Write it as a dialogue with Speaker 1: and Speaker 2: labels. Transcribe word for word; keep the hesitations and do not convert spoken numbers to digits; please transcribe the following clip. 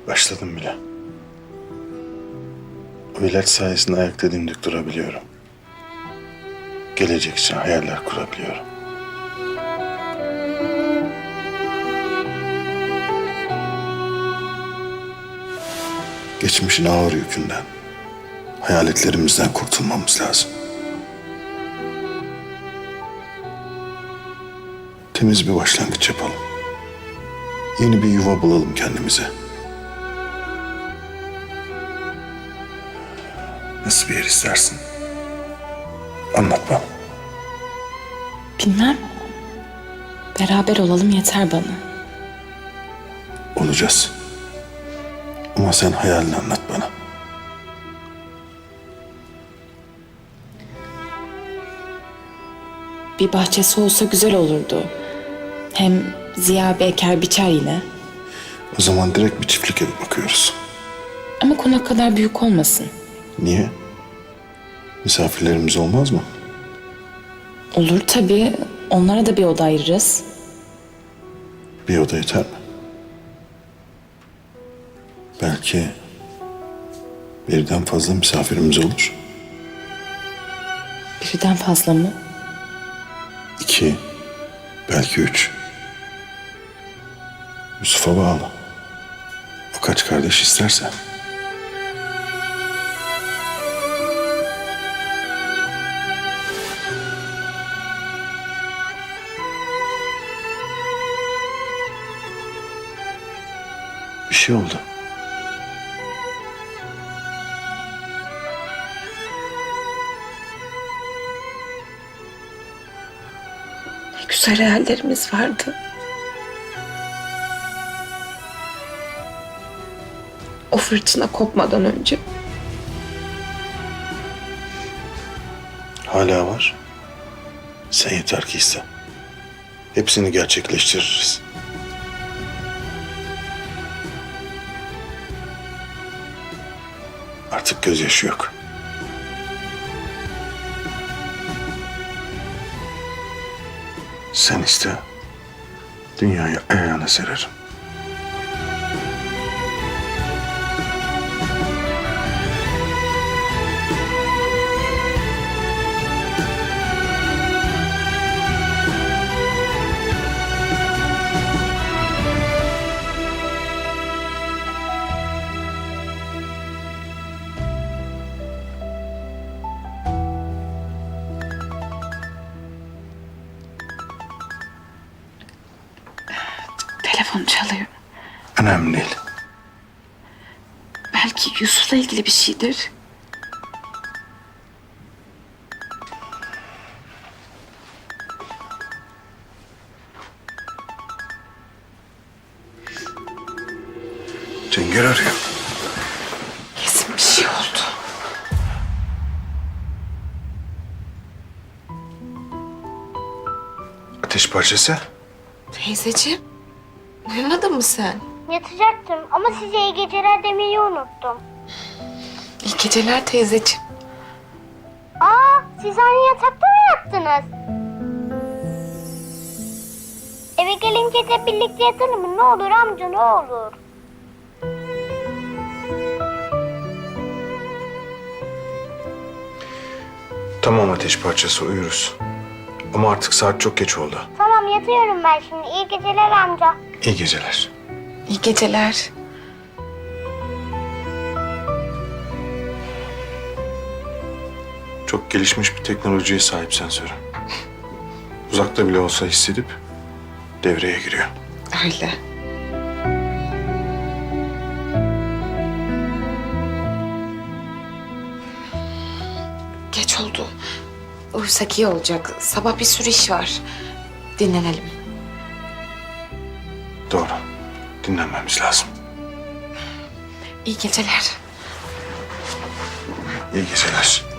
Speaker 1: Başladım bile. O ilaç sayesinde ayakta dimdik durabiliyorum. Gelecek için hayaller kurabiliyorum. Geçmişin ağır yükünden, hayaletlerimizden kurtulmamız lazım. Temiz bir başlangıç yapalım. Yeni bir yuva bulalım kendimize. Nasıl bir yer istersin? Anlat bana.
Speaker 2: Bilmem. Beraber olalım yeter bana.
Speaker 1: Olacağız. Ama sen hayalini anlat bana.
Speaker 2: Bir bahçesi olsa güzel olurdu. Hem Ziya bir eker biçer yine.
Speaker 1: O zaman direkt bir çiftlik evi bakıyoruz.
Speaker 2: Ama konak kadar büyük olmasın.
Speaker 1: Niye? Misafirlerimiz olmaz mı?
Speaker 2: Olur tabii. Onlara da bir oda ayırırız.
Speaker 1: Bir oda yeter mi? Belki birden fazla misafirimiz olur.
Speaker 2: Birden fazla mı?
Speaker 1: İki, belki üç. Yusuf'a bağlı. O kaç kardeş isterse. Bir şey oldu.
Speaker 2: Ne güzel hayallerimiz vardı. O fırtına kopmadan önce.
Speaker 1: Hala var. Sen yeter ki iste. Hepsini gerçekleştiririz. Artık gözyaşı yok. Sen iste. Dünyayı ayağına sererim.
Speaker 2: Telefon çalıyor.
Speaker 1: Önemli değil.
Speaker 2: Belki Yusuf'la ilgili bir şeydir.
Speaker 1: Cenger arıyor.
Speaker 2: Kesin bir şey oldu.
Speaker 1: Ateş parçası.
Speaker 2: Teyzeciğim, uyumadın mı sen?
Speaker 3: Yatacaktım ama size iyi geceler demeyi unuttum.
Speaker 2: İyi geceler teyzeciğim.
Speaker 3: Aa, siz aynı yatakta mı yattınız? Eve gelince de birlikte yatalım mı? Ne olur amca, ne olur.
Speaker 1: Tamam ateş parçası, uyuruz. Ama artık saat çok geç oldu.
Speaker 3: Tamam, yatıyorum ben şimdi. İyi geceler amca.
Speaker 1: İyi geceler.
Speaker 2: İyi geceler.
Speaker 1: Çok gelişmiş bir teknolojiye sahip sensörü. Uzakta bile olsa hissedip devreye giriyor.
Speaker 2: Öyle. Geç oldu. Uyusak iyi olacak. Sabah bir sürü iş var. Dinlenelim.
Speaker 1: Doğru. Dinlenmemiz lazım.
Speaker 2: İyi geceler.
Speaker 1: İyi geceler.